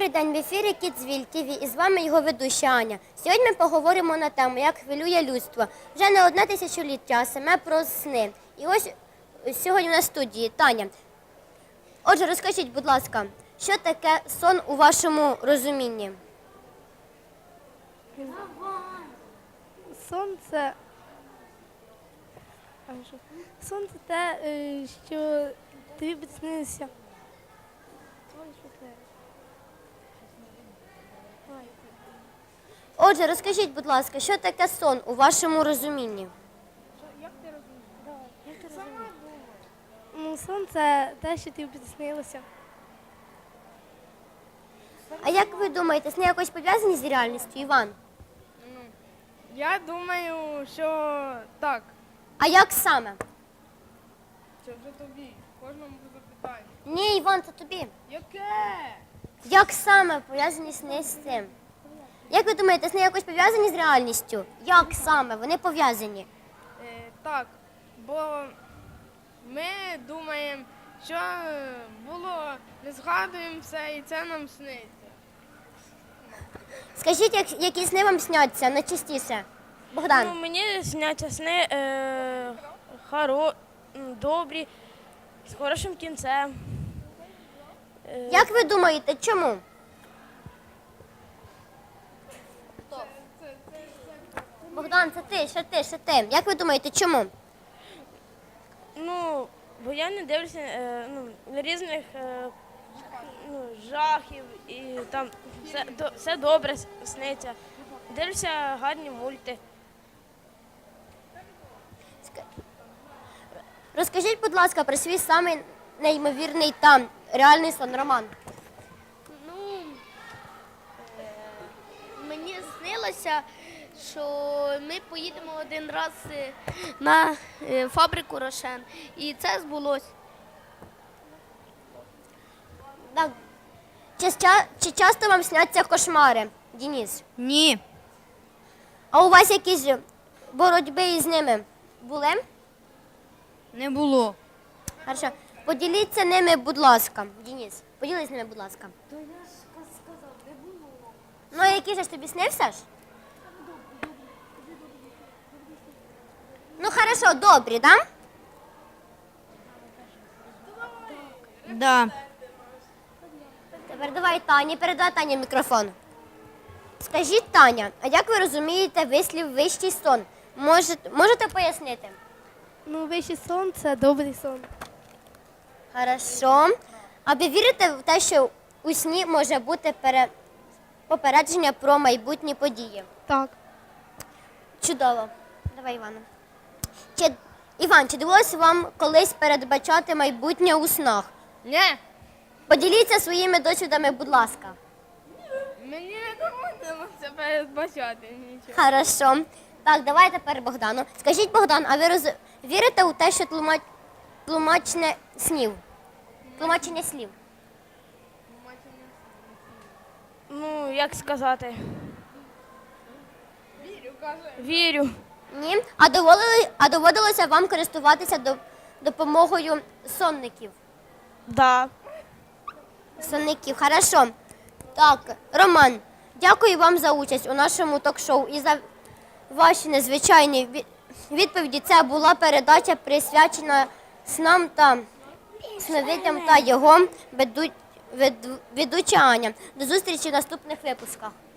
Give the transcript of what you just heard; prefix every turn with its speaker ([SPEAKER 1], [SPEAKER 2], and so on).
[SPEAKER 1] Добрий день, в ефірі Кідзвіль ТВ і з вами його ведуща Аня. Сьогодні ми поговоримо на тему, як хвилює людство. Вже не одне тисячоліття, а саме про сни. І ось сьогодні на студії Таня. Отже, розкажіть, будь ласка, що таке сон у вашому розумінні?
[SPEAKER 2] Сон це те, що тобі приснилося.
[SPEAKER 1] Отже, розкажіть, будь ласка, що таке сон у вашому розумінні?
[SPEAKER 2] Сон це те, що тобі приснилося.
[SPEAKER 1] А як ви думаєте, сни якось пов'язані з реальністю, Іван?
[SPEAKER 3] Я думаю, що так.
[SPEAKER 1] А як саме?
[SPEAKER 3] Це вже тобі. Кожному запитаю.
[SPEAKER 1] Ні, Іван, це тобі.
[SPEAKER 3] Яке?
[SPEAKER 1] Як саме пов'язані сни з цим? Як ви думаєте, сни якось пов'язані з реальністю? Як саме вони пов'язані?
[SPEAKER 3] Так, бо ми думаємо, що було, не згадуємо все і це нам сниться.
[SPEAKER 1] Скажіть, які сни вам сняться найчастіше? Богдан.
[SPEAKER 4] Ну, мені сняться сни добрі, з хорошим кінцем.
[SPEAKER 1] Як ви думаєте, чому? Богдан, це ти, ще ти. Як ви думаєте, чому?
[SPEAKER 4] Ну, бо я не дивлюся на різних жахів і там все добре сниться. Дивлюся гарні мульти.
[SPEAKER 1] Розкажіть, будь ласка, про свій самий неймовірний та реальний сон, Роман.
[SPEAKER 5] Мені снилося, що ми поїдемо один раз на фабрику Рошен. І це збулося.
[SPEAKER 1] Так. Чи часто вам сняться кошмари, Денис?
[SPEAKER 6] Ні,
[SPEAKER 1] А у вас якісь боротьби із ними були?
[SPEAKER 6] не було.
[SPEAKER 1] Хорошо. Поділіться ними, будь ласка. Денис, поділись ними, будь ласка. То я ж сказав, не було. Ну, а який же ж тобі снився ж? Ну, хорошо, добрі, да?
[SPEAKER 6] Да.
[SPEAKER 1] Тепер давай Тані, передай Тані мікрофон. Скажіть, Таня, а як ви розумієте вислів «вищий сон»? Можете пояснити?
[SPEAKER 2] Ну, вищий сон це добрий сон.
[SPEAKER 1] Хорошо. А ви вірите в те, що у сні може бути попередження про майбутні події?
[SPEAKER 2] Так.
[SPEAKER 1] Чудово. Давай, Івана. Іван, чи довелося вам колись передбачати майбутнє у снах?
[SPEAKER 3] Ні,
[SPEAKER 1] Поділіться своїми досвідами, будь ласка.
[SPEAKER 3] мені не доводилося це передбачати нічого.
[SPEAKER 1] Хорошо. Так, давай тепер Богдану. Скажіть, Богдан, а ви вірите у те, що тлумачення слів?
[SPEAKER 4] Ну, як сказати?
[SPEAKER 3] Вірю, каже.
[SPEAKER 4] Вірю.
[SPEAKER 1] Ні? А доводилося вам користуватися допомогою сонників?
[SPEAKER 4] Да.
[SPEAKER 1] Сонників, хорошо. Так, Роман, дякую вам за участь у нашому ток-шоу і за ваші незвичайні відповіді. Це була передача, присвячена снам та сновидям та його ведуча Аня. До зустрічі в наступних випусках.